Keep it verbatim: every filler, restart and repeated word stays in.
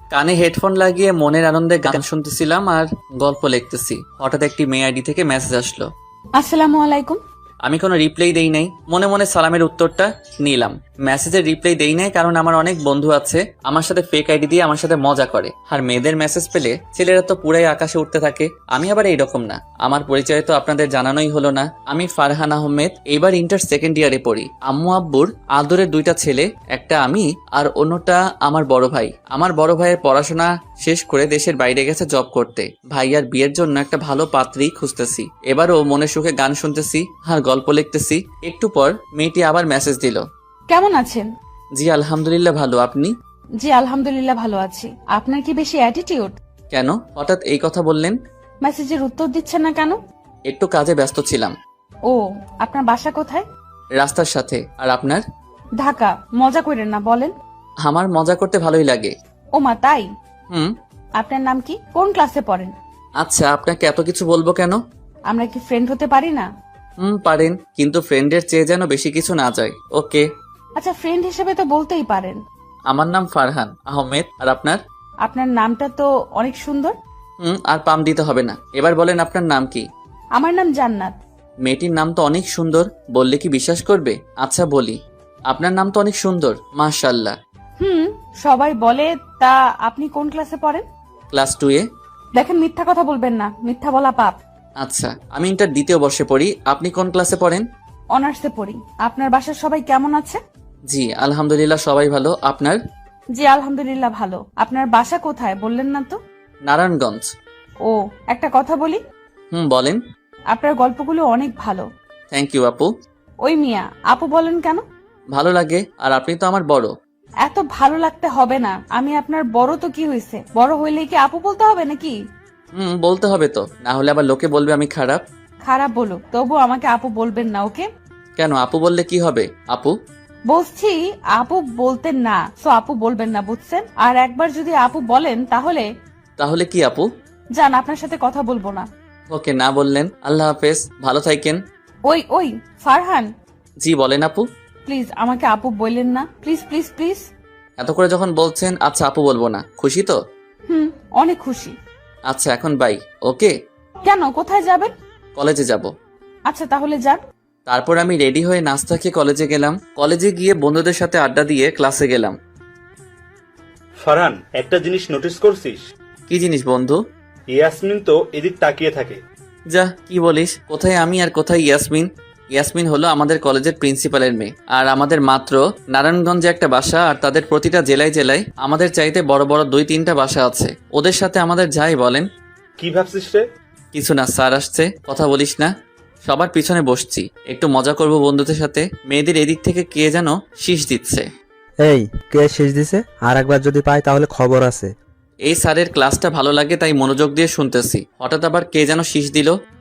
কানে হেডফোন লাগিয়ে মনের আনন্দে গান শুনতেছিলাম আর গল্প লিখতেছি। হঠাৎ একটি মেয়ে আইডি থেকে মেসেজ আসলো। আসসালামু আলাইকুম। আমি কোনো রিপ্লাই দেই নাই, মনে মনে সালামের উত্তরটা নিলাম। মেসেজের রিপ্লাই দেই নাই কারণ আমার অনেক বন্ধু আছে আমার সাথে ফেক আইডি দিয়ে আমার সাথে মজা করে, আর মেয়েদের মেসেজ পেলে ছেলেরা তো পুরাই আকাশে উঠতে থাকে। আমি আবার এইরকম না। আমার পরিচয় তো আপনাদের জানানোই হলো না। আমি ফারহান আহমেদ, এবার ইন্টার সেকেন্ড ইয়ারে পড়ি। আম্মু আব্বুর আদরের দুইটা ছেলে, একটা আমি আর অন্যটা আমার বড় ভাই। আমার বড় ভাইয়ের পড়াশোনা শেষ করে দেশের বাইরে গেছে জব করতে। ভাইয়ার বিয়ের জন্য একটা ভালো পাত্রী খুঁজতেছি। এবারও মনে সুখে গান শুনতেছি আর গল্প লিখতেছি। একটু পর মেয়েটি আবার মেসেজ দিল। কেমন আছেন? জি আলহামদুলিল্লাহ ভালো, আপনি? জি আলহামদুলিল্লাহ ভালো আছি। আপনার কি বেশি অ্যাটিটিউড? কেন হঠাৎ এই কথা বললেন? মেসেজের উত্তর দিচ্ছেন না কেন? একটু কাজে ব্যস্ত ছিলাম। ও, আপনার বাসা কোথায়? রাস্তার সাথে। আর আপনার? ঢাকা। মজা করেন না, বলেন। আমার মজা করতে ভালোই লাগে। ও মা, তাই? হুম। আপনার নাম কি? কোন ক্লাসে পড়েন? আচ্ছা, আপনাকে এত কিছু বলবো কেন? আমরা কি ফ্রেন্ড হতে পারি না? হুম পারেন, কিন্তু ফ্রেন্ডের চেয়ে যেন বেশি কিছু না যায়। ওকে। আচ্ছা, ফ্রেন্ড হিসেবে তো বলতেই পারেন। আমার নাম ফারহান আহমেদ। আর আপনার? আপনার নামটা তো অনেক সুন্দর। হুম আর পাম দিতে হবে না। এবার বলেন আপনার নাম কি? আমার নাম জান্নাত। মেয়েটির নাম তো অনেক সুন্দর, বললে কি বিশ্বাস করবে? আচ্ছা বলি, আপনার নাম তো অনেক সুন্দর, মাশাআল্লাহ। হুম, সবাই বলে। তা আপনি কোন ক্লাসে পড়েন? ক্লাস টু এ। দেখেন, মিথ্যা কথা বলবেন না, মিথ্যা বলা পাপ। আচ্ছা, আমি ইন্টার দ্বিতীয় বর্ষে পড়ি। আপনি কোন ক্লাসে পড়েন? অনার্সে পড়ি। আপনার বাসার সবাই কেমন আছে? জি আলহামদুলিল্লাহ সবাই ভালো। আপনার? জি আলহামদুলিল্লাহ ভালো। আপনার বাসা কোথায় বললেন না তো? নারায়ণগঞ্জ। ও, একটা কথা বলি। হুম বলেন। আপনার গল্পগুলো অনেক ভালো। থ্যাংক ইউ আপু। ওই মিয়া, আপু বলেন কেন? ভালো লাগে, আর আপনি তো আমার বড়। এত ভালো লাগতে হবে না। আমি আপনার বড় তো কি হয়েছে, বড় হইলে কি আপু বলতে হবে নাকি? হুম বলতে হবে তো, না হলে আবার লোকে বলবে আমি খারাপ। খারাপ বলুক, তবু আমাকে আপু বলবেন না, ওকে? কেন, আপু বললে কি হবে? আপু বলছি আপু বলতেন না, তো আপু বলবেন না, বুঝছেন? আর একবার যদি আপু বলেন তাহলে তাহলে কি আপু? যান, আপনার সাথে কথা বলবো না। ওকে, না বললেন। আল্লাহ হাফেজ, ভালো থাকেন। ওই ওই ফারহান, জি বলেন আপু। প্লিজ আমাকে আপু বললেন না, প্লিজ প্লিজ প্লিজ। এত করে যখন বলছেন, আচ্ছা আপু বলবো না। খুশি তো? হুম, অনেক খুশি। আচ্ছা এখন বাই। ওকে। কেন, কোথায় যাবেন? কলেজে যাব। আচ্ছা তাহলে যান। তারপর আমি রেডি হয়ে নাস্তা খেয়ে কলেজে গেলাম। কলেজে গিয়ে বন্ধুদের সাথে আড্ডা দিয়ে ক্লাসে গেলাম। ফারহান, একটা জিনিস নোটিস করছিস? কি জিনিস বন্ধু? ইয়াসমিন তো এদিক তাকিয়ে থাকে। যা, কি বলিস? কোথায় আমি আর কোথায় ইয়াসমিন? ইয়াসমিন হলো আমাদের কলেজের প্রিন্সিপালের মেয়ে, আর আমাদের মাত্র নারায়ণগঞ্জে একটা বাসা, আর তাদের প্রতিটা জেলায় জেলায় আমাদের চাইতে বড় বড় দুই তিনটা বাসা আছে। ওদের সাথে আমাদের যাই বলেন। কি ভাবছিস রে? কিছু না, স্যার আসছে, কথা বলিস না। সবার পিছনে বসছি, একটু মজা করব বন্ধুদের সাথে। মেয়েদের এদিক থেকে কে যেন শীষ দিচ্ছে। এই, কে শেষ দিছে? আর একবার যদি পাই তাহলে খবর আছে। এই স্যারের ক্লাসটা ভালো লাগে তাই মনোযোগ দিয়ে শুনতেছি। হঠাৎ আবার কে যেন শীষ দিল।